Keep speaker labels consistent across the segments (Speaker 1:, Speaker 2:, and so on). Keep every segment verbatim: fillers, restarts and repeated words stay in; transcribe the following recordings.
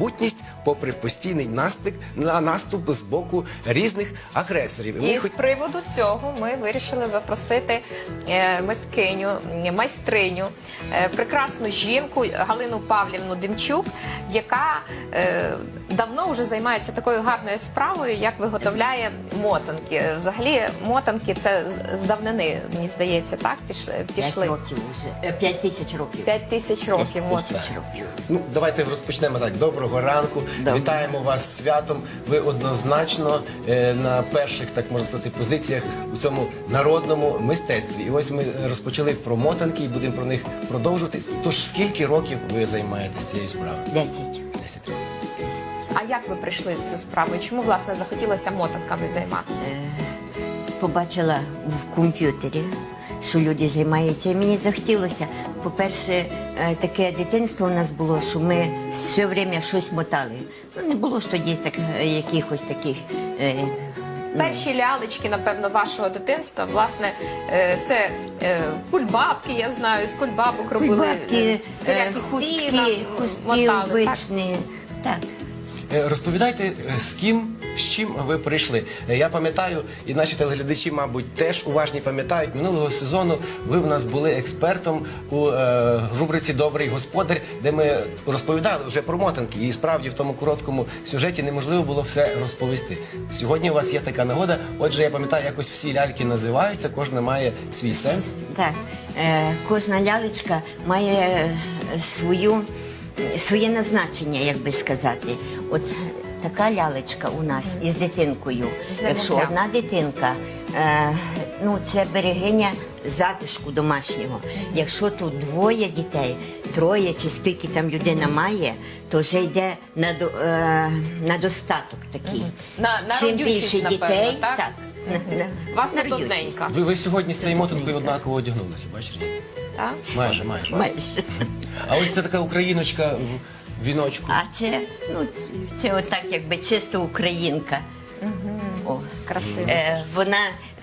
Speaker 1: самобутність попри постійний наступ, на наступ з боку різних агресорів.
Speaker 2: І з приводу цього ми вирішили запросити е, мисткиню, майстриню, е, прекрасну жінку Галину Павлівну Демчук, яка е, давно вже займається такою гарною справою, як виготовляє мотанки. Взагалі, мотанки це з- з давнини, мені здається, так? Піш- Пішли.
Speaker 3: П'ять років вже. Е, П'ять тисяч років.
Speaker 2: П'ять тисяч років.
Speaker 3: П'ять
Speaker 2: от.
Speaker 3: тисяч років.
Speaker 1: Ну, давайте розпочнемо так. Доброго ранку.
Speaker 3: Доброго.
Speaker 1: Вітаємо вас з святом. Ви однозначно е, на перших, так можна сказати, позиціях у цьому народному мистецтві. І ось ми розпочали про мотанки і будемо про них продовжувати. Тож скільки років ви займаєтесь цією справою?
Speaker 3: Десять.
Speaker 1: Десять років.
Speaker 2: А як ви прийшли в цю справу? І чому, власне, захотілося мотанками займатися?
Speaker 3: Побачила в комп'ютері, що люди займаються. І мені захотілося. По-перше, е, таке дитинство у нас було, що ми все время щось мотали. Ну, не було ж тоді так, е, якихось таких. е,
Speaker 2: Перші лялечки, напевно, вашого дитинства, власне, е, це е, кульбабки, я знаю, з кульбабок робили
Speaker 3: Кульбабки,
Speaker 2: е,
Speaker 3: е,
Speaker 2: всілякі сіна,
Speaker 3: хустки, хустки
Speaker 2: мотали, так?
Speaker 3: обичні. Так.
Speaker 1: Е, Розповідайте, е, з ким, з чим ви прийшли. Е, Я пам'ятаю, і наші телеглядачі, мабуть, теж уважні пам'ятають, минулого сезону ви в нас були експертом у е, рубриці «Добрий господар», де ми розповідали вже про мотанки. І справді в тому короткому сюжеті неможливо було все розповісти. Сьогодні у вас є така нагода. Отже, я пам'ятаю, якось всі ляльки називаються, кожна має свій сенс.
Speaker 3: Так, е, кожна лялечка має е, свою, своє назначення, як би сказати. От така лялечка у нас із дитинкою.
Speaker 2: З
Speaker 3: Якщо
Speaker 2: немовлям.
Speaker 3: одна дитинка, е, ну це берегиня затишку домашнього. Якщо тут двоє дітей, троє чи скільки там людина має, то вже йде на, до- е, на достаток такий.
Speaker 2: На- на
Speaker 3: Чим
Speaker 2: родючість,
Speaker 3: більше
Speaker 2: напевно,
Speaker 3: дітей,
Speaker 2: так?
Speaker 3: так, на- на-
Speaker 2: Вас не
Speaker 3: на родючість.
Speaker 2: одненька,
Speaker 1: Ви, ви сьогодні з цією мотанкою однаково одягнулися, бачите?
Speaker 2: так?
Speaker 1: Майже, майже.
Speaker 3: Майже.
Speaker 1: А ось це така україночка в віночку.
Speaker 3: А це, ну, це, це отак, якби чисто українка. О,
Speaker 2: Красиво.
Speaker 3: Е, вона,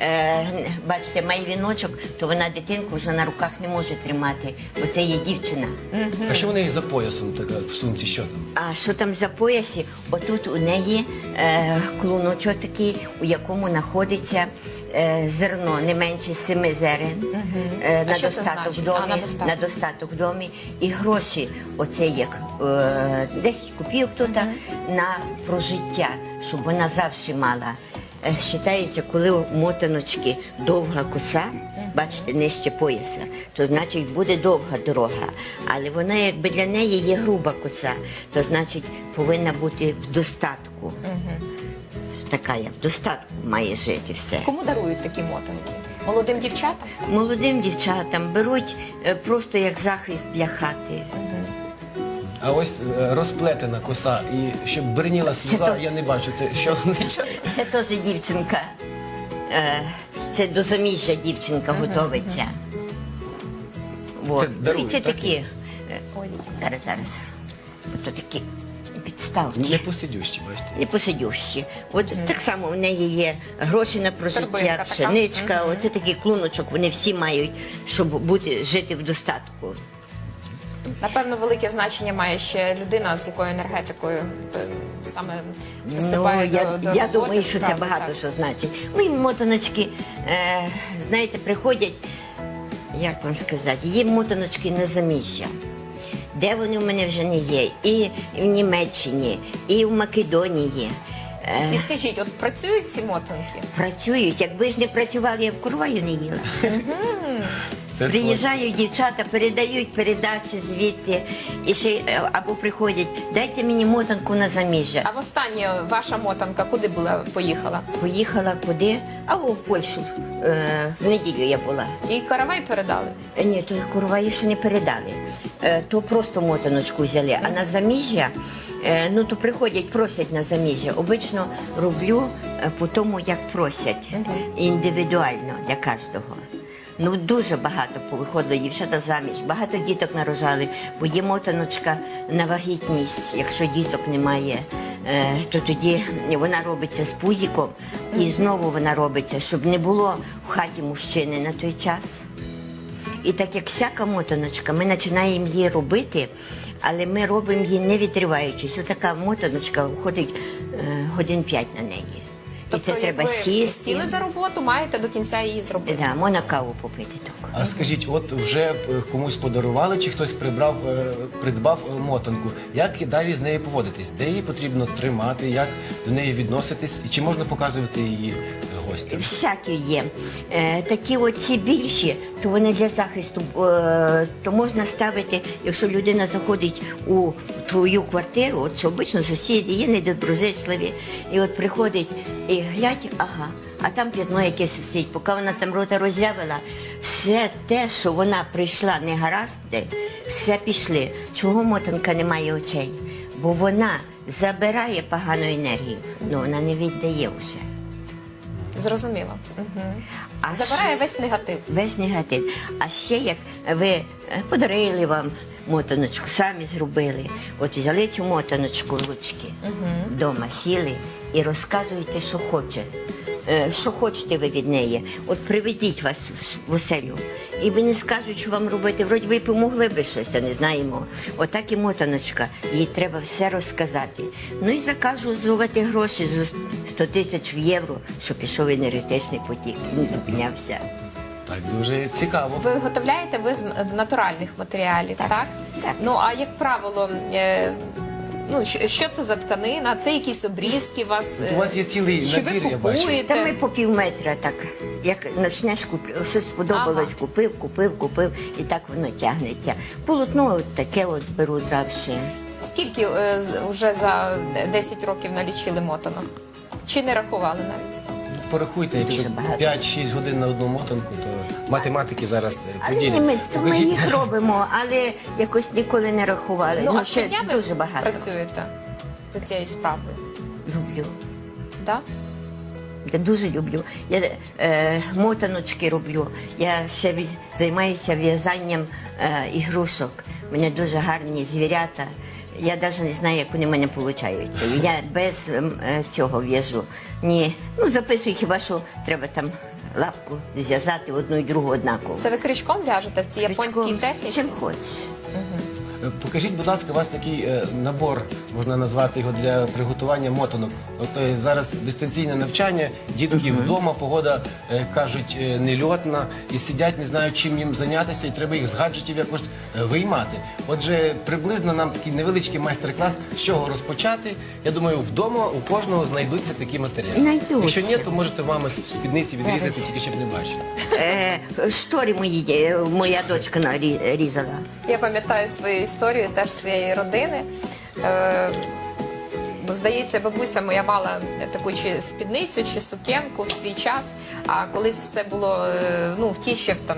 Speaker 3: е, бачите, має віночок, то вона дитинку вже на руках не може тримати, бо це є дівчина.
Speaker 1: А що в неї за поясом така в сумці? Що там?
Speaker 3: А що там за поясі? Отут у неї е, клуночок такий, у якому знаходиться е, зерно не менше семи зерен е,
Speaker 2: А
Speaker 3: на,
Speaker 2: що це
Speaker 3: достаток
Speaker 2: значить?
Speaker 3: в домі,
Speaker 2: А, на достаток.
Speaker 3: на достаток в домі. І гроші, оце як е, десять копійок тут на прожиття, щоб вона завжди мала. Е, Считається, коли у мотаночки довга коса, бачите, нижче пояса, то значить буде довга дорога. Але вона якби для неї є груба коса, то значить повинна бути в достатку. Така як в достатку має жити все.
Speaker 2: Кому дарують такі мотанки? Молодим дівчатам?
Speaker 3: Молодим дівчатам беруть е, просто як захист для хати.
Speaker 1: А ось е, розплетена коса, і щоб бриніла сльоза,
Speaker 3: то-
Speaker 1: я не бачу. Це що означає?
Speaker 3: Це теж дівчинка. Е, Це до заміжжя дівчинка готовиться. Вот.
Speaker 1: Це дарують,
Speaker 3: І це
Speaker 1: так?
Speaker 3: такі. е,
Speaker 2: Ой.
Speaker 3: Зараз, зараз. Ото такі підставні.
Speaker 1: Не посидющі, бачите.
Speaker 3: Непосидющі. От так само в неї є гроші на
Speaker 2: Торбинка
Speaker 3: прожиття,
Speaker 2: така.
Speaker 3: пшеничка, оце такий клуночок, вони всі мають, щоб бути, жити в достатку.
Speaker 2: Напевно, велике значення має ще людина, з якою енергетикою е, саме приступає
Speaker 3: Ну,
Speaker 2: до,
Speaker 3: я,
Speaker 2: до
Speaker 3: я
Speaker 2: роботи,
Speaker 3: думаю, що це
Speaker 2: справи,
Speaker 3: багато
Speaker 2: так.
Speaker 3: що значить. Мої мотаночки, е, знаєте, приходять, як вам сказати, є мотаночки на заміжжя. Де вони в мене вже не є? І в Німеччині, і в Македонії. Е,
Speaker 2: І скажіть, от працюють ці мотанки?
Speaker 3: Працюють. Якби ж не працювали, я б курваю не їла.
Speaker 1: Це
Speaker 3: Приїжджають дівчата, передають передачі звідти, і ще е, або приходять, дайте мені мотанку на заміжжя.
Speaker 2: А востаннє ваша мотанка куди була поїхала?
Speaker 3: Поїхала куди? А в Польщу. Е, в неділю я була.
Speaker 2: І каравай передали?
Speaker 3: Е, Ні, то курваї ще не передали. Е, то просто мотаночку взяли. А на заміжжя, е, ну то приходять, просять на заміжжя. Обично роблю е, по тому, як просять. Індивідуально для кожного. Ну, дуже багато повиходило дівчата заміж, багато діток нарожали, бо є мотаночка на вагітність. Якщо діток немає, е, то тоді вона робиться з пузиком, і знову вона робиться, щоб не було в хаті мужчини на той час. І так як всяка мотаночка, ми починаємо її робити але ми робимо її не відриваючись. Отака мотаночка входить е, годин п'ять на неї. І це
Speaker 2: як
Speaker 3: треба
Speaker 2: ви
Speaker 3: сісти.
Speaker 2: сіли за роботу, маєте до кінця її зробити.
Speaker 3: Да, можна каву попити так.
Speaker 1: А скажіть, от вже е, комусь подарували, чи хтось прибрав, е, придбав е, мотанку. Як далі з нею поводитись? Де її потрібно тримати, як до неї відноситись? І чи можна показувати її е, гостям?
Speaker 3: Всякі є. Е, такі оці більші, то вони для захисту, е, то можна ставити, якщо людина заходить у твою квартиру, от це обично сусіди є недоброзичливі, і от приходить і глядь, ага, а там п'ятно якесь висить, поки вона там рота роззявила, все те, що вона прийшла не гаразди, все пішли. Чого мотанка не має очей? Бо вона забирає погану енергію, але вона не віддає вже.
Speaker 2: Зрозуміло. Угу.
Speaker 3: А
Speaker 2: Забирає
Speaker 3: ще-
Speaker 2: весь негатив.
Speaker 3: Весь негатив. А ще як ви е, подарили вам мотаночку, самі зробили. От взяли цю мотаночку ручки, вдома сіли і розказуєте, що хоче. Е, Що хочете ви від неї. От приведіть вас в оселю. І вони скажуть, що вам робити. Вроді ви помогли би щось, а не знаємо. Отак і мотаночка. Їй треба все розказати. Ну і закажу зувати гроші за сто тисяч в євро, щоб пішов енергетичний потік. Він зупинявся.
Speaker 1: Так, дуже цікаво.
Speaker 2: Ви виготовляєте ви з натуральних матеріалів, так?
Speaker 3: Так, так.
Speaker 2: Ну, а як правило, е, ну, що, що це за тканина? Це якісь обрізки у вас?
Speaker 1: У вас є цілий
Speaker 2: Чи
Speaker 1: набір,
Speaker 2: ви
Speaker 1: я бачу.
Speaker 2: купуєте?
Speaker 3: Та ми по пів метра так. Як почнеш купити, щось сподобалось,
Speaker 2: Ага.
Speaker 3: купив, купив, купив, і так воно тягнеться. Полотно от таке от беру завжди.
Speaker 2: Скільки е, з- вже за десять років налічили мотанок? Чи не рахували навіть?
Speaker 1: Порахуйте, якщо
Speaker 3: Дуже багато.
Speaker 1: п'ять-шість годин на одну мотанку, то математики зараз е,
Speaker 3: Але
Speaker 1: поділять.
Speaker 3: ні, ми, то ми
Speaker 1: Покажіть.
Speaker 3: їх робимо, але якось ніколи не рахували.
Speaker 2: Ну, а
Speaker 3: це
Speaker 2: щодня ви
Speaker 3: дуже багато.
Speaker 2: працюєте за цією справою?
Speaker 3: Люблю.
Speaker 2: Да?
Speaker 3: Я дуже люблю. Я е, мотаночки роблю. Я ще ві- займаюся в'язанням е, ігрушок. У мене дуже гарні звірята. Я навіть не знаю, як вони в мене виходять. Я без ем, е, цього в'яжу. Ні. Ну, записую хіба що треба там лапку зв'язати одну і другу однаково.
Speaker 2: Це ви крючком в'яжете в цій японській
Speaker 3: Крючком,
Speaker 2: техніці?
Speaker 3: чим хочеш.
Speaker 1: Е, Покажіть, будь ласка, у вас такий е, набор, можна назвати його, для приготування мотанок. От е, зараз дистанційне навчання, дітки вдома, погода, е, кажуть, е, нельотна, і сидять, не знають, чим їм зайнятися, і треба їх з гаджетів якось е, виймати. Отже, приблизно нам такий невеличкий майстер-клас, з чого розпочати. Я думаю, вдома у кожного знайдуться такі матеріали.
Speaker 3: Знайдуться.
Speaker 1: Якщо ні, то можете мами з спідниці відрізати,
Speaker 3: Зараз.
Speaker 1: тільки щоб не бачили.
Speaker 3: Е, штори мої е, моя дочка нарізала.
Speaker 2: Я пам'ятаю свою історію теж своєї родини. Е, бо, здається, бабуся моя мала таку чи спідницю, чи сукенку в свій час, а колись все було, е, ну, в ті ще, там,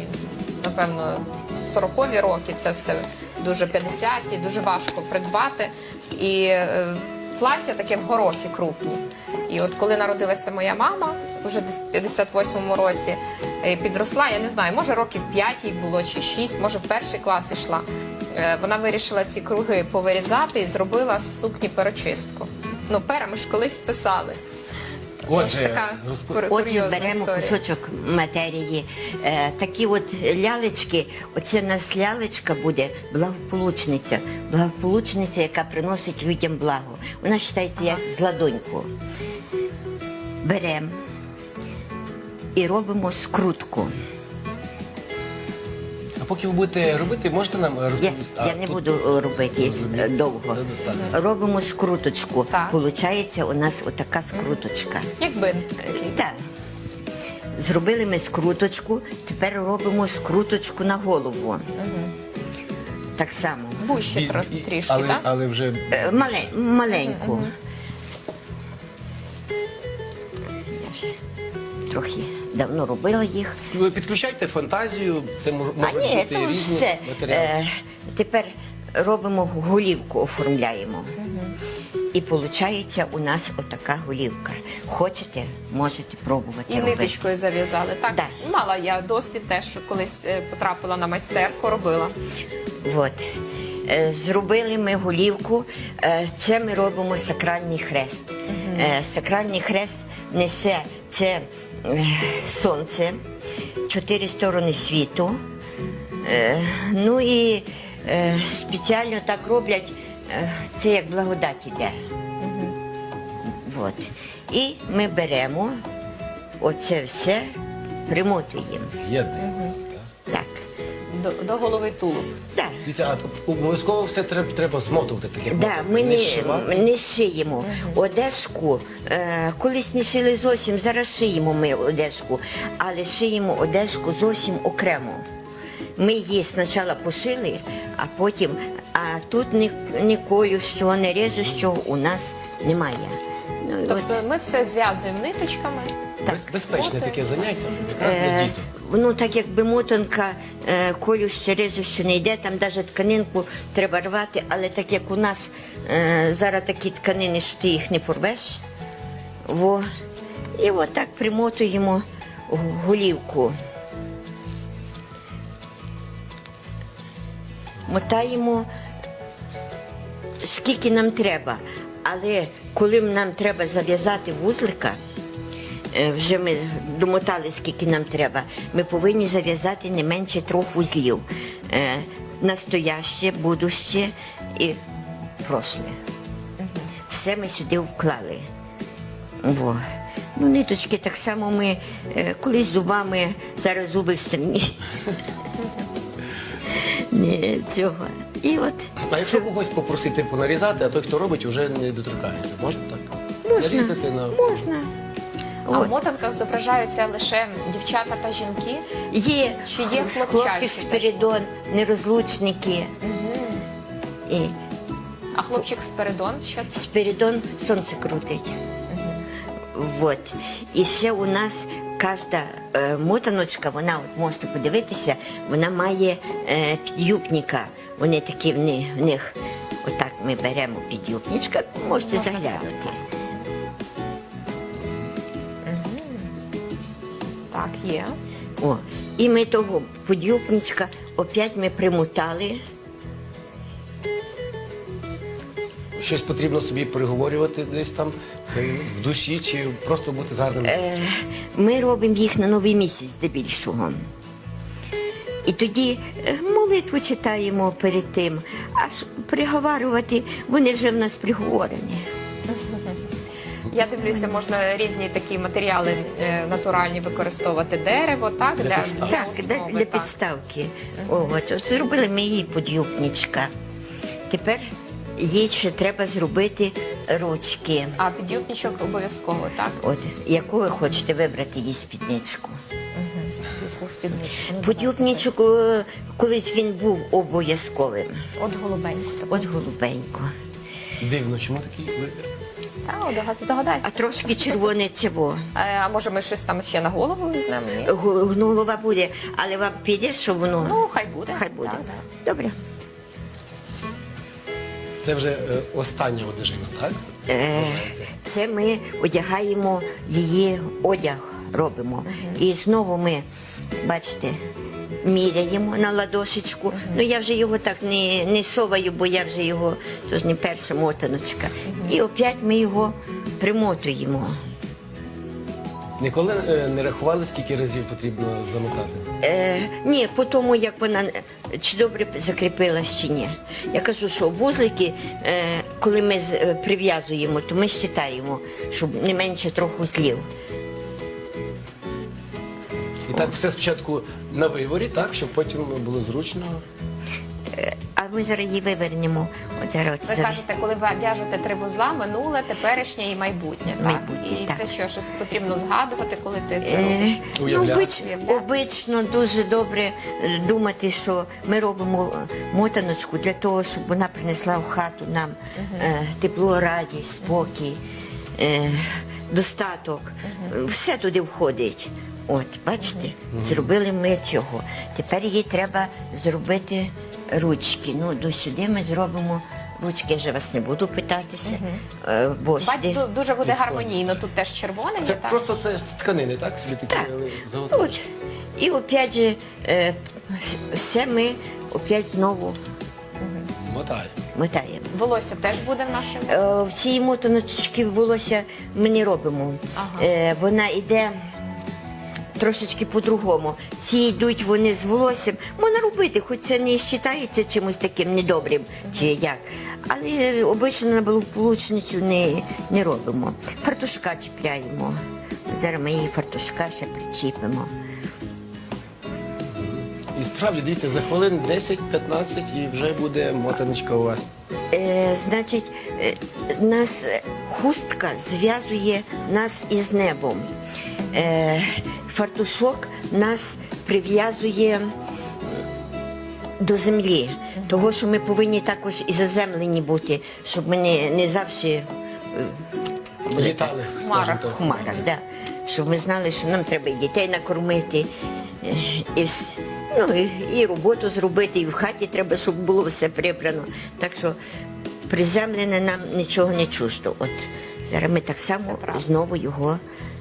Speaker 2: напевно, сорокові роки, це все дуже п'ятдесяті, дуже важко придбати. І е, плаття таке в горохи крупні. І от коли народилася моя мама, вже десь в п'ятдесят восьмому році, е, підросла, я не знаю, може років п'ять їй було чи шість, може в перший клас йшла. Е, Вона вирішила ці круги повирізати і зробила з сукні перочистку. Ну, пера ми ж колись писали.
Speaker 1: Отже,
Speaker 2: така
Speaker 1: розпо-
Speaker 2: кур-
Speaker 3: Отже,
Speaker 2: курйозна
Speaker 3: беремо
Speaker 2: історія.
Speaker 3: кусочок матерії. Е, такі от лялечки, оце в нас лялечка буде благополучниця. Благополучниця, яка приносить людям благо. Вона вважається як з ладоньку. Беремо і робимо скрутку.
Speaker 1: А поки ви будете робити, можете нам
Speaker 3: Я,
Speaker 1: розповісти? А,
Speaker 3: я не
Speaker 1: тут-
Speaker 3: буду е, робити
Speaker 1: Зрозуміло.
Speaker 3: е, довго.
Speaker 1: Добре, так.
Speaker 3: Робимо скруточку.
Speaker 2: Так.
Speaker 3: Получається у нас отака скруточка.
Speaker 2: Як бинт такий.
Speaker 3: Так. Зробили ми скруточку, тепер робимо скруточку на голову. Так само.
Speaker 2: Вуще
Speaker 1: І-
Speaker 2: трос-
Speaker 1: і-
Speaker 2: трішки,
Speaker 1: але,
Speaker 2: так?
Speaker 1: але вже
Speaker 3: Е, мале- маленьку. Я ж трохи давно робила їх.
Speaker 1: ви підключайте фантазію, це мож-
Speaker 3: А
Speaker 1: можуть
Speaker 3: ні,
Speaker 1: бути
Speaker 3: то
Speaker 1: різні
Speaker 3: все.
Speaker 1: матеріали.
Speaker 3: Е, тепер робимо голівку, оформляємо. І виходить у нас отака голівка. Хочете, можете пробувати
Speaker 2: І
Speaker 3: робити.
Speaker 2: ниточкою зав'язали. Так,
Speaker 3: Да.
Speaker 2: мала я досвід теж, колись е, потрапила на майстерку, робила.
Speaker 3: От. Е, Зробили ми голівку. Е, Це ми робимо сакральний хрест. Е, Сакральний хрест несе це е, сонце, чотири сторони світу. Е, Ну і е, спеціально так роблять, е, це як благодать іде. От. І ми беремо оце все, примотуємо.
Speaker 1: Єдний.
Speaker 3: Так.
Speaker 2: До, до голови тулуб.
Speaker 3: Так.
Speaker 1: Дивіться, а обов'язково все треба, треба змотувати, так як
Speaker 3: Да,
Speaker 1: можна.
Speaker 3: ми не,
Speaker 1: зшивати.
Speaker 3: не шиємо одежку. Е, колись не шили зовсім, зараз шиємо ми одежку, але шиємо одежку зовсім окремо. Ми її спочатку пошили, а потім, а тут ні, ні колю, що не реже, що у нас немає. Ну, і от,
Speaker 2: Тобто ми все зв'язуємо ниточками.
Speaker 3: так.
Speaker 1: Без- Безпечне
Speaker 2: Мотаємо.
Speaker 1: таке заняття, якраз для
Speaker 3: Е,
Speaker 1: діток.
Speaker 3: Ну, так якби мотанка, е, колю ще реже, що не йде, там навіть тканинку треба рвати, але так як у нас е, зараз такі тканини, що ти їх не порвеш, во, і отак примотуємо голівку. Мотаємо скільки нам треба, але коли нам треба зав'язати вузлика, е, вже ми домотали, скільки нам треба, ми повинні зав'язати не менше трьох вузлів. Е, Настояще, будуще і прошле. Все ми сюди вклали. Во. Ну, ниточки так само ми е, колись зубами, зараз зуби вставні. Ні, цього. І от.
Speaker 1: А якщо когось попросити понарізати, а той, хто робить, вже не доторкається. Можна так?
Speaker 3: Можна,
Speaker 1: Нарізати на...
Speaker 3: можна.
Speaker 2: А
Speaker 3: От.
Speaker 2: в мотанках зображаються лише дівчата та жінки.
Speaker 3: Є,
Speaker 2: Чи є хлопчачі
Speaker 3: хлопчик
Speaker 2: теж?
Speaker 3: Спиридон, нерозлучники. І
Speaker 2: А хлопчик Спиридон, що це?
Speaker 3: Спиридон сонце крутить. Вот. І ще у нас кожна е, мотаночка, вона, от можете подивитися, вона має е, підюбника. Вони такі в них, в них, отак ми беремо підюбничка, можете
Speaker 2: Можна
Speaker 3: заглянути.
Speaker 2: Так, є.
Speaker 3: О, і ми того подюбничка опять ми примотали.
Speaker 1: Щось потрібно собі приговорювати десь там е, в душі, чи просто бути гарним.
Speaker 3: Е, Ми робимо їх на новий місяць здебільшого. І тоді е, молитву читаємо перед тим, аж приговарювати, вони вже в нас приговорені.
Speaker 2: Я дивлюся, можна різні такі матеріали е, натуральні використовувати. Дерево, так?
Speaker 1: Для
Speaker 2: Для,
Speaker 1: підставки.
Speaker 3: Так, для,
Speaker 2: основи,
Speaker 3: для
Speaker 2: так.
Speaker 3: підставки. О, от, от зробили ми її подюбничка. Тепер їй ще треба зробити ручки.
Speaker 2: А підюбничок обов'язково, так?
Speaker 3: От, яку ви хочете вибрати їй спідничку.
Speaker 2: Яку спідничку. Ну,
Speaker 3: Подюбничок, е, колись він був обов'язковим.
Speaker 2: От голубеньку. таку.
Speaker 3: От голубенько.
Speaker 1: Дивно, чому такий вибір?
Speaker 2: Та, о, догад- здогадайся.
Speaker 3: А трошки червоне цього.
Speaker 2: Е, А може ми щось там ще на голову візьмемо? Ні?
Speaker 3: Г- Ну, голова буде, але вам піде, що воно.
Speaker 2: Ну, хай буде.
Speaker 3: Хай буде.
Speaker 2: Так, так.
Speaker 3: Добре.
Speaker 1: Це вже е, остання одежина, так?
Speaker 3: Е, Це ми одягаємо її одяг, робимо. І знову ми, бачите, міряємо на ладошечку. Ну я вже його так не, не соваю, бо я вже його, то ж не перша мотаночка. І опять ми його примотуємо.
Speaker 1: Ніколи е, не рахували, скільки разів потрібно замотати?
Speaker 3: Е, ні, по тому, як вона чи добре закріпилась, чи ні. Я кажу, що вузлики, е, коли ми з- е, прив'язуємо, то ми вважаємо, щоб не менше трьох вузлів.
Speaker 1: І так все спочатку на виворі, так, щоб потім було зручно.
Speaker 3: А ми зараз її вивернемо. От зараз от
Speaker 2: Ви
Speaker 3: зараз.
Speaker 2: кажете, коли ви в'яжете три вузла, минуле, теперішнє і майбутнє. Так?
Speaker 3: Майбутнє,
Speaker 2: І
Speaker 3: так.
Speaker 2: це що, щось потрібно згадувати, коли ти це
Speaker 3: Е,
Speaker 2: робиш?
Speaker 3: ну,
Speaker 1: Уявляти.
Speaker 3: обич,
Speaker 2: Уявляти.
Speaker 3: обично дуже добре е, думати, що ми робимо е, мотаночку для того, щоб вона принесла в хату нам е, тепло, радість, спокій, е, достаток. Все туди входить. От, бачите, зробили ми цього. Тепер їй треба зробити ручки. Ну, до сюди ми зробимо ручки. Я вже вас не буду питатися, е, бо
Speaker 2: Бать,
Speaker 3: сюди...
Speaker 2: ду- дуже буде гармонійно. Тут теж червоне,
Speaker 1: Це
Speaker 2: є, так?
Speaker 1: просто це з тканини, так? Собі такі
Speaker 3: Так.
Speaker 1: е, заготовки.
Speaker 3: От. І опять же, е, все ми опять знову
Speaker 1: Мотаю.
Speaker 3: мотаємо.
Speaker 2: Волосся теж буде в нашому.
Speaker 3: Е, в цій мотаночці волосся ми не робимо.
Speaker 2: Ага.
Speaker 3: Е, вона йде трошечки по-другому. Ці йдуть вони з волоссям. Можна робити, хоч це не вважається чимось таким недобрим, чи як. Але обично на благополучницю не, не робимо. Фартушка чіпляємо. Зараз ми її фартушка ще причіпимо.
Speaker 1: І справді, дивіться, за хвилин десять-п'ятнадцять і вже буде мотаночка у вас.
Speaker 3: Е, значить, е, нас е, хустка зв'язує нас із небом. Е, фартушок нас прив'язує до землі. Того, що ми повинні також і заземлені бути, щоб ми не, не завжди е,
Speaker 1: Літали.
Speaker 2: В хмарах.
Speaker 1: скажімо
Speaker 3: в хмарах. Да. Щоб ми знали, що нам треба і дітей накормити, е, і, вс- ну, і, і роботу зробити, і в хаті треба, щоб було все прибрано. Так що приземлене нам нічого не чуждо. От зараз ми так само
Speaker 2: правда.
Speaker 3: знову його.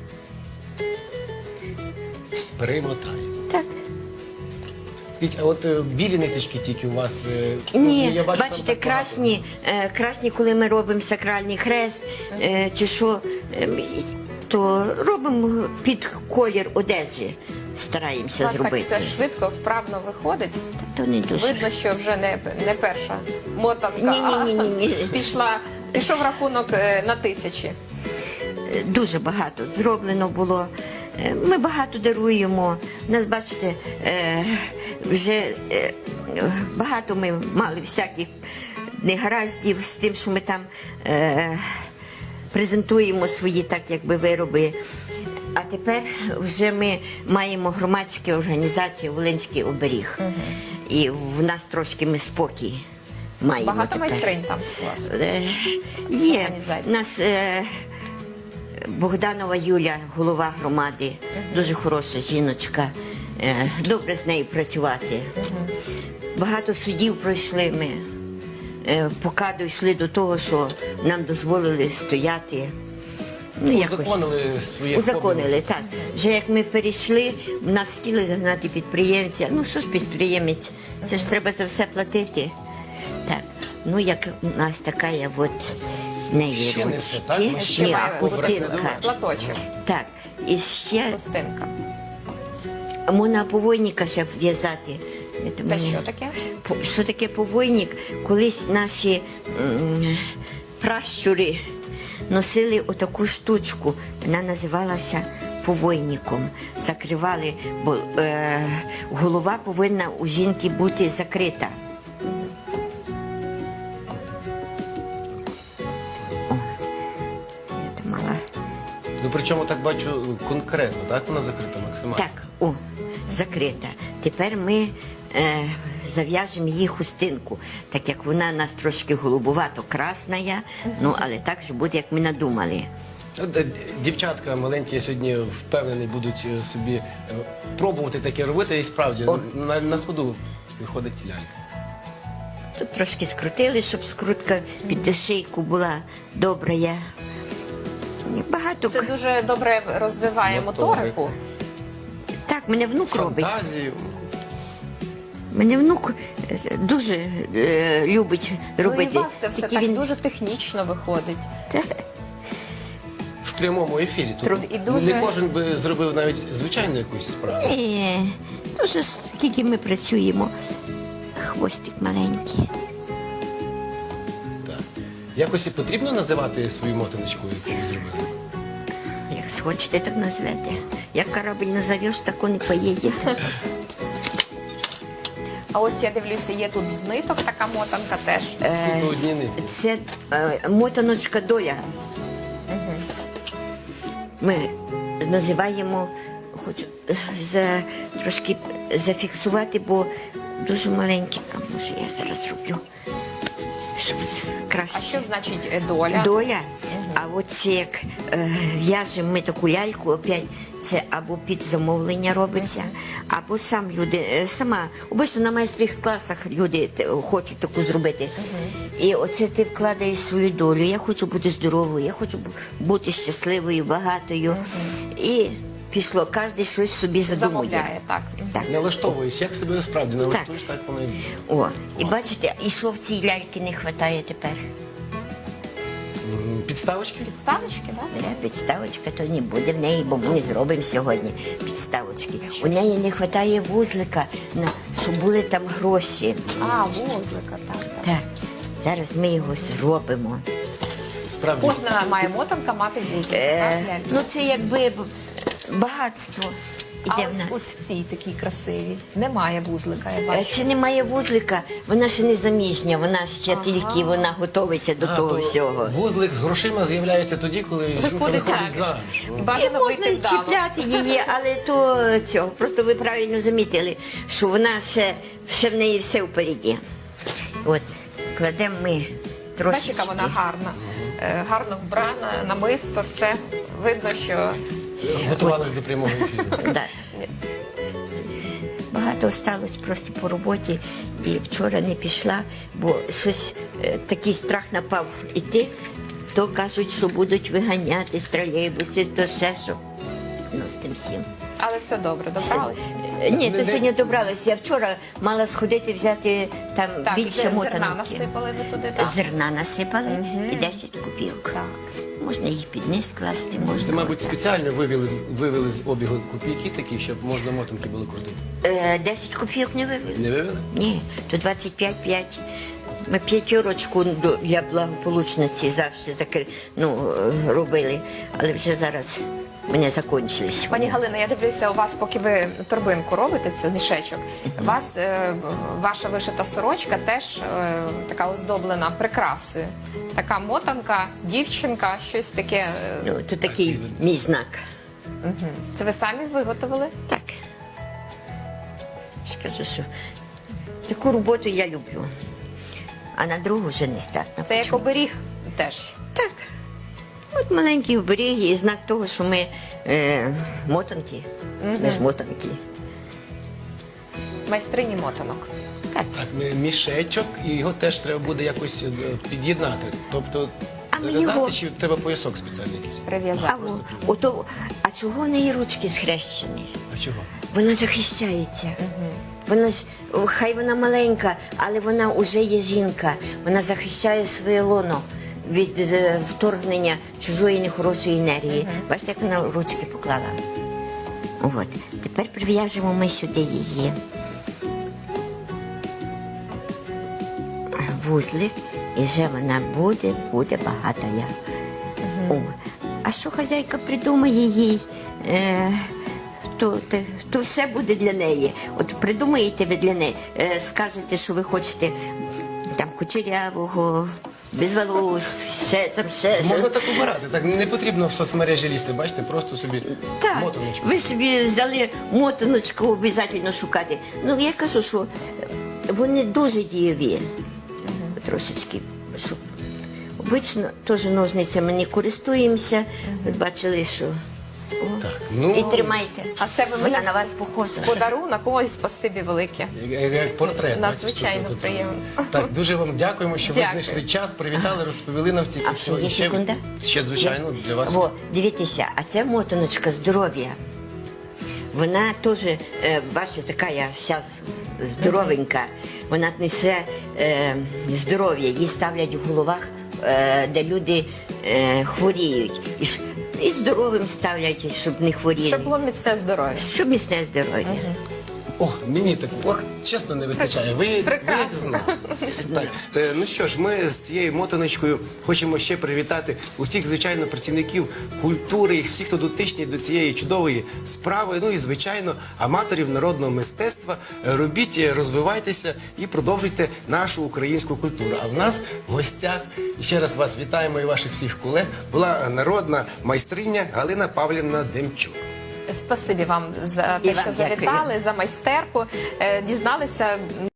Speaker 1: так. Перемотаємо.
Speaker 3: Так.
Speaker 1: Скажіть, а от е, білі ниточки тільки у вас? е, ну,
Speaker 3: Ні,
Speaker 1: я бачу, там
Speaker 3: бачите,
Speaker 1: так багато.
Speaker 3: красні, е, красні, коли ми робимо сакральний хрест е, чи що, е, то робимо під колір одежі,
Speaker 2: У
Speaker 3: стараємося
Speaker 2: вас так
Speaker 3: зробити.
Speaker 2: все швидко, вправно виходить.
Speaker 3: То не дуже.
Speaker 2: Видно, що вже не, не перша мотанка,
Speaker 3: Ні-ні-ні-ні-ні.
Speaker 2: а пішла, пішов рахунок е, на тисячі.
Speaker 3: Дуже багато зроблено було. Е, Ми багато даруємо. Нас, бачите, е, вже е, багато ми мали всяких негараздів з тим, що ми там е, презентуємо свої так, якби вироби. А тепер вже ми маємо громадську організацію Волинський оберіг. І в нас трошки ми спокій маємо.
Speaker 2: Багато
Speaker 3: тепер.
Speaker 2: майстринь там у вас.
Speaker 3: Е, Є.
Speaker 2: Організації.
Speaker 3: У нас е, Богданова Юля, голова громади, дуже хороша жіночка. Е, добре з нею працювати. Багато судів пройшли ми. Е, поки дійшли до того, що нам дозволили стояти. Ну, якось.
Speaker 1: Узаконили своє
Speaker 3: Узаконили, так. Вже як ми перейшли, нас хотіли загнати підприємця. Ну що ж підприємець, це ж треба за все платити. Так, ну як у нас така є от в неї
Speaker 1: Ще не все, так?
Speaker 3: ручки.
Speaker 1: Ми
Speaker 2: Ще
Speaker 3: Ні,
Speaker 2: має
Speaker 3: хустинка.
Speaker 2: платочок,
Speaker 3: Так, і ще
Speaker 2: хустинка.
Speaker 3: можна повойника ще в'язати.
Speaker 2: Це що таке?
Speaker 3: По- Що таке повойник? Колись наші м, пращури носили отаку штучку. Вона називалася повойником. Закривали, бо е, голова повинна у жінки бути закрита. О, я там мала.
Speaker 1: Ну, причому так бачу конкретно, так вона закрита максимально?
Speaker 3: Так, о, закрита. Тепер ми е, зав'яжемо її хустинку, так як вона у нас трошки голубувато-красна, ну, але так же буде, як ми надумали.
Speaker 1: От, е, Дівчатка маленькі, я сьогодні впевнений, будуть е, собі е, пробувати таке робити, і справді
Speaker 3: О.
Speaker 1: на, на ходу виходить лялька.
Speaker 3: Тут трошки скрутили, щоб скрутка під шийку була добра. Я. Багато.
Speaker 2: Це дуже добре розвиває
Speaker 1: Моторику.
Speaker 2: моторику.
Speaker 3: Так, мене внук робить.
Speaker 1: Фантазію.
Speaker 3: Мене внук е, дуже е, любить робити.
Speaker 2: Ну і у вас це все
Speaker 3: Такий
Speaker 2: так
Speaker 3: він-
Speaker 2: дуже технічно виходить.
Speaker 3: Та,
Speaker 1: В прямому ефірі. Тобто
Speaker 2: Труд- і дуже-
Speaker 1: Не кожен би зробив навіть звичайну якусь справу.
Speaker 3: Е, дуже ж скільки ми працюємо. Хвостик маленький.
Speaker 1: Так. Якось і потрібно називати свою мотаночку, яку ви зробили?
Speaker 3: Як схочете, так назвете. Як корабль назовеш, так он і поїде.
Speaker 2: А ось я дивлюся, є тут з ниток така мотанка теж.
Speaker 1: Суто одні нитки.
Speaker 3: Це е, мотаночка доля. Ми називаємо, хочу е, за, трошки зафіксувати, бо дуже маленькі. А може я зараз роблю, щоб краще.
Speaker 2: А що значить е, доля?
Speaker 3: Доля, а оце як е, в'яжемо ми таку ляльку, опять це або під замовлення робиться, або сам люди, е, сама, обично на майстрих класах люди те- хочуть таку зробити. І оце ти вкладаєш свою долю. Я хочу бути здоровою, я хочу бу- бути щасливою, багатою. І пішло, кожен щось собі задумує.
Speaker 2: Замовляє, так.
Speaker 3: Так.
Speaker 1: Налаштовуєш, як себе справді налаштуєш, так воно і буде.
Speaker 3: О, і бачите, і що в цій ляльки не вистачає тепер?
Speaker 1: М, Підставочки?
Speaker 2: Підставочки, так?
Speaker 3: Е, Підставочка то не буде в неї, бо ми не зробимо сьогодні підставочки. У неї не вистачає вузлика, на, щоб були там гроші.
Speaker 2: А, вузлика, так, так.
Speaker 3: Так, зараз ми його зробимо.
Speaker 1: Справді.
Speaker 2: Кожна має мотанка мати вузлик,
Speaker 3: Е,
Speaker 2: так, лялька?
Speaker 3: ну це якби б- багатство
Speaker 2: А
Speaker 3: іде в
Speaker 2: ось
Speaker 3: нас.
Speaker 2: от в цій такій красивій немає вузлика, я
Speaker 3: Е,
Speaker 2: бачу.
Speaker 3: Це немає вузлика, вона ще не заміжня, вона ще тільки вона готується до
Speaker 1: А,
Speaker 3: того
Speaker 1: то
Speaker 3: всього.
Speaker 1: Вузлик з грошима з'являється тоді, коли жінка
Speaker 2: Виходить
Speaker 1: виходить
Speaker 2: заміж.
Speaker 1: заміж.
Speaker 2: І
Speaker 1: Ну.
Speaker 3: І
Speaker 2: бажано
Speaker 3: можна
Speaker 2: вийти
Speaker 3: і
Speaker 2: вдало.
Speaker 3: чіпляти її, але то цього. Просто ви правильно замітили, що вона ще, ще в неї все впереді. От, кладемо ми трошечки.
Speaker 2: Бачиш, яка вона гарна. Е, Гарно вбрана, намисто, все. Видно, що
Speaker 1: Готувалися до прямого ефіру.
Speaker 3: Да. Багато осталось просто по роботі і вчора не пішла, бо щось е, такий страх напав іти, то кажуть, що будуть виганяти з тролейбуси, то ще що. Ну, з тим всім.
Speaker 2: але все добре, добралися.
Speaker 3: Е, Ні,
Speaker 1: Не-
Speaker 3: то
Speaker 1: не-
Speaker 3: сьогодні добралася. Я вчора мала сходити взяти там
Speaker 2: Так,
Speaker 3: більше
Speaker 2: зерна
Speaker 3: мотанки.
Speaker 2: насипали ви туди, так?
Speaker 3: Зерна насипали і десять копійок.
Speaker 2: Так.
Speaker 3: Можна їх під низ класти, можна.
Speaker 1: Це, мабуть,
Speaker 3: отак.
Speaker 1: спеціально вивели, з- вивели з обігу копійки такі, щоб можна мотанки було крутити.
Speaker 3: Е, десять копійок не вивели.
Speaker 1: Не вивели?
Speaker 3: Ні, то двадцять п'ять п'ять. Ми п'ятерочку до- для благополучності завжди закр... ну, е, робили, але вже зараз вони закінчились.
Speaker 2: Пані Галина, я дивлюся, у вас, поки ви торбинку робите, цю мішечок, у вас е, ваша вишита сорочка теж е, така оздоблена прикрасою. Така мотанка, дівчинка, щось таке. е,
Speaker 3: Ну, то такий мій знак.
Speaker 2: мгм. Це ви самі виготовили?
Speaker 3: Так. Скажу, що таку роботу я люблю, а на другу вже не здатна.
Speaker 2: Це як
Speaker 3: Почему?
Speaker 2: оберіг теж.
Speaker 3: Так. От маленький оберіг і знак того, що ми е, мотанки, ми ж мотанки.
Speaker 2: Майстрині мотанок.
Speaker 3: Так.
Speaker 1: Так, ми- мішечок, і його теж треба буде якось е, під'єднати. Тобто,
Speaker 3: А ми
Speaker 1: зав'язати,
Speaker 3: його-
Speaker 1: чи треба поясок спеціальний якийсь?
Speaker 2: Прив'язати.
Speaker 3: А, о, ото, а чого в неї ручки схрещені?
Speaker 1: А чого?
Speaker 3: Вона захищається. Вона ж, о, хай вона маленька, але вона вже є жінка. Вона захищає своє лоно від е, вторгнення чужої нехорошої енергії. Бачите, як вона ручки поклала. От. Тепер прив'яжемо ми сюди її. Вузлик, і вже вона буде, буде багатая. О, а що хазяйка придумає їй, е, то, те- то все буде для неї. От придумаєте ви для неї, е, скажете, що ви хочете там кучерявого, без волос, ще там ще
Speaker 1: Можна
Speaker 3: щось.
Speaker 1: так обирати, так не потрібно в соцмережі лізти, бачите, просто собі
Speaker 3: Так,
Speaker 1: мотаночку.
Speaker 3: ви собі взяли мотаночку обов'язково шукати. Ну, я кажу, що вони дуже дієві. Трошечки, щоб обично теж ножницями не користуємося. Ви бачили, що. О,
Speaker 1: ну-
Speaker 3: і тримайте.
Speaker 2: А це ви
Speaker 3: Вона
Speaker 2: мені
Speaker 3: на вас похожа.
Speaker 2: подарунок, ось спасибі велике.
Speaker 1: Як, як портрет.
Speaker 2: Надзвичайно
Speaker 1: бачиш, тут- тут-
Speaker 2: приємно.
Speaker 1: Так, дуже вам дякуємо, що ви
Speaker 2: Дякую.
Speaker 1: знайшли час, привітали, розповіли нам стільки
Speaker 3: А
Speaker 1: всього.
Speaker 3: ще є
Speaker 1: І ще,
Speaker 3: секунда?
Speaker 1: ще, звичайно, для вас.
Speaker 3: Во, дивіться, а це мотаночка здоров'я. Вона теж, е, бачите, така я вся здоровенька. Вона несе е, здоров'я, її ставлять в головах, е, де люди е, хворіють. І, ж- і здоровим ставлять, щоб не хворіли.
Speaker 2: Щоб було міцне здоров'я.
Speaker 3: Щоб міцне здоров'я.
Speaker 1: О, мені так, ох, чесно, не вистачає. Ви,
Speaker 2: Прекрасно.
Speaker 1: ви знали. Так, е, ну що ж, ми з цією мотаночкою хочемо ще привітати усіх, звичайно, працівників культури, і всіх, хто дотичні до цієї чудової справи. Ну і, звичайно, аматорів народного мистецтва. Е, Робіть, е, розвивайтеся і продовжуйте нашу українську культуру. А в нас в гостях, і ще раз вас вітаємо і ваших всіх колег, була народна майстриня Галина Павлівна Демчук.
Speaker 2: Спасибі вам за
Speaker 3: І
Speaker 2: те,
Speaker 3: вам
Speaker 2: що
Speaker 3: дякую.
Speaker 2: завітали, за майстерку. Е, Дізналися